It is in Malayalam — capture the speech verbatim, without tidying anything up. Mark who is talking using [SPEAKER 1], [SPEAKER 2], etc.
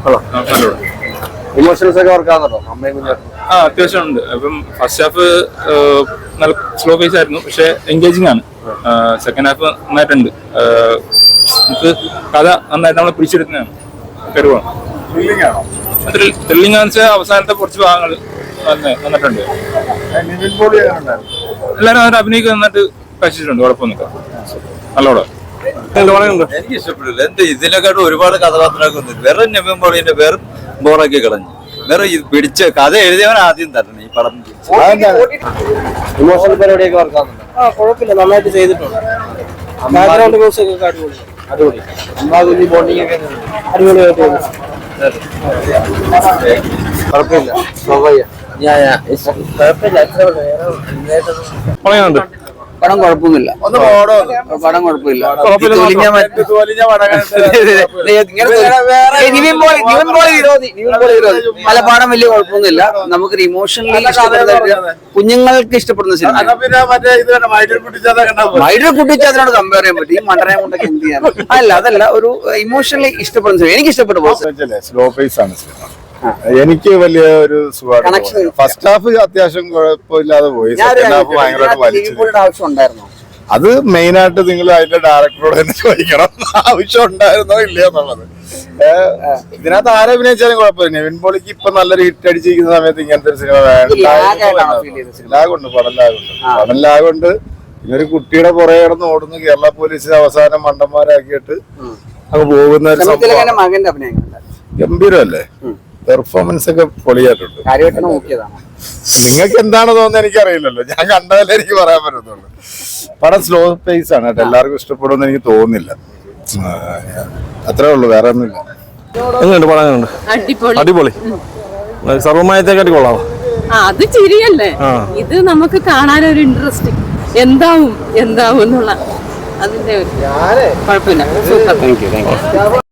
[SPEAKER 1] ഇമോഷൻസ് ഒക്കെ വർക്കാണല്ലോ അമ്മയും കുഞ്ഞാട്ടും?
[SPEAKER 2] ആ അത്യാവശ്യം ഉണ്ട്. അപ്പം ഫസ്റ്റ് ഹാഫ് നല്ല സ്ലോ പേസ് ആയിരുന്നു, പക്ഷെ എൻഗേജിങ് ആണ്. സെക്കൻഡ് ഹാഫ് നന്നായിട്ടുണ്ട്. നമുക്ക് കഥ നന്നായിട്ട് നമ്മളെ പിടിച്ചെടുക്കുന്നതാണ്. കരുവാണ് ത്രില്ലിംഗ് ആണെന്ന് വെച്ചാൽ അവസാനത്തെ കുറച്ച് ഭാഗങ്ങൾ നന്നിട്ടുണ്ട്. എല്ലാവരും അവരുടെ അഭിനയിക്ക് നന്നായിട്ട് കഴിച്ചിട്ടുണ്ട്. കുഴപ്പമൊന്നുമില്ല, നല്ലോണം.
[SPEAKER 3] എനിക്ക് ഇഷ്ടപ്പെട്ടില്ല. എന്റെ ഇതിനെക്കാട്ടും ഒരുപാട് കഥാപാത്രമൊക്കെ വേറെ നിവിൻ പോളിന്റെ വേറെ ബോറൊക്കെ കളഞ്ഞു. വേറെ പിടിച്ച കഥ എഴുതിയവൻ ആദ്യം തരണം ഈ പടം.
[SPEAKER 1] ഇമോഷണൽ പരിപാടിയൊക്കെ വർക്കാവുന്നുണ്ട്?
[SPEAKER 4] ആ കുഴപ്പമില്ല, നന്നായിട്ട് ചെയ്തിട്ടുണ്ട്. ബാക്ക്ഗ്രൗണ്ട് മ്യൂസിക് ഒക്കെ അടിപൊളി
[SPEAKER 1] അടിപൊളി. അമ്മാകുഞ്ഞി ബോണ്ടിങ് ഒക്കെ
[SPEAKER 4] അടിപൊളിയായിട്ട്
[SPEAKER 1] കുഴപ്പമില്ല. സ്വാഭാവിക
[SPEAKER 4] കുഴപ്പമില്ല. പടം കുഴപ്പമൊന്നുമില്ല. പടം കുഴപ്പമില്ല. അല്ല, പടം വലിയ കുഴപ്പമൊന്നുമില്ല. നമുക്കൊരു ഇമോഷണലി ഇഷ്ടപ്പെടുന്ന കുഞ്ഞുങ്ങൾക്ക് ഇഷ്ടപ്പെടുന്ന സിനിമ. മൈഡിൽ കുട്ടിച്ച് അതിനോട് കമ്പയർ ചെയ്യാൻ പറ്റും. ഈ മണ്ടനെ കൊണ്ടൊക്കെ എന്ത് ചെയ്യാൻ? അല്ല, അതല്ല, ഒരു ഇമോഷണലി ഇഷ്ടപ്പെടുന്ന സിനിമ. എനിക്ക് ഇഷ്ടപ്പെട്ടു.
[SPEAKER 5] സ്ലോ പേസ് ആണ് സിനിമ. എനിക്ക് വലിയ ഒരു സുഖമാണ്. ഫസ്റ്റ് ഹാഫ് അത്യാവശ്യം കുഴപ്പമില്ലാതെ പോയി. സെക്കൻഡ് ഹാഫ് ഭയങ്കരമായിട്ട് വലിച്ചു.
[SPEAKER 4] ആവശ്യം ഉണ്ടായിരുന്നോ?
[SPEAKER 5] അത് മെയിൻ ആയിട്ട് നിങ്ങൾ അതിന്റെ ഡയറക്ടറോട് തന്നെ ചോദിക്കണം, ആവശ്യം ഉണ്ടായിരുന്നോ ഇല്ലയോ എന്നുള്ളത്. ഇതിനകത്ത് ആരെ അഭിനയിച്ചാലും കുഴപ്പമില്ല. നിവിൻ പോളിക്ക് ഇപ്പൊ നല്ലൊരു ഹിറ്റ് അടിച്ചിരിക്കുന്ന സമയത്ത് ഇങ്ങനത്തെ ഒരു സിനിമ വേണ്ട. ലാഗുണ്ട്, പടം ലാഗുണ്ട്. പടം ലാഗുണ്ട്. ഇതൊരു കുട്ടിയുടെ പുറകെ കിടന്ന് ഓടുന്നു. കേരള പോലീസിന് അവസാനം മണ്ടന്മാരാക്കിയിട്ട് അങ്ങ് പോകുന്ന ഒരു സംഭവം.
[SPEAKER 4] മകന്റെ അഭിനയം
[SPEAKER 5] ഗംഭീരമല്ലേ? പെർഫോമൻസ് ഒക്കെ പൊളിയായിട്ടുണ്ട്. നിങ്ങൾക്ക് എന്താണ് തോന്നുന്നത് എനിക്കറിയില്ലല്ലോ. ഞാൻ കണ്ടതല്ലേ എനിക്ക് പറയാൻ പറ്റുന്നുള്ളൂ. പടം സ്ലോ പേസ് ആണ് കേട്ടോ. എല്ലാവർക്കും ഇഷ്ടപ്പെടുമെന്ന് എനിക്ക് തോന്നുന്നില്ല. അത്രേ ഉള്ളൂ, വേറെ ഒന്നുമില്ല.
[SPEAKER 6] എങ്ങനെയുണ്ട് പടം? എങ്ങനെയുണ്ട്? അടിപൊളി. സർവമായത്തെക്കാട്ടി കൊള്ളാമോ?
[SPEAKER 7] അത് ചിരിയല്ലേ ഇത്. നമുക്ക് കാണാനൊരു ഇൻട്രസ്റ്റ് എന്താവും എന്താവും എന്നുള്ള അതിന്റെ ഒരു കുഴപ്പമില്ല. Super. Thank you thank U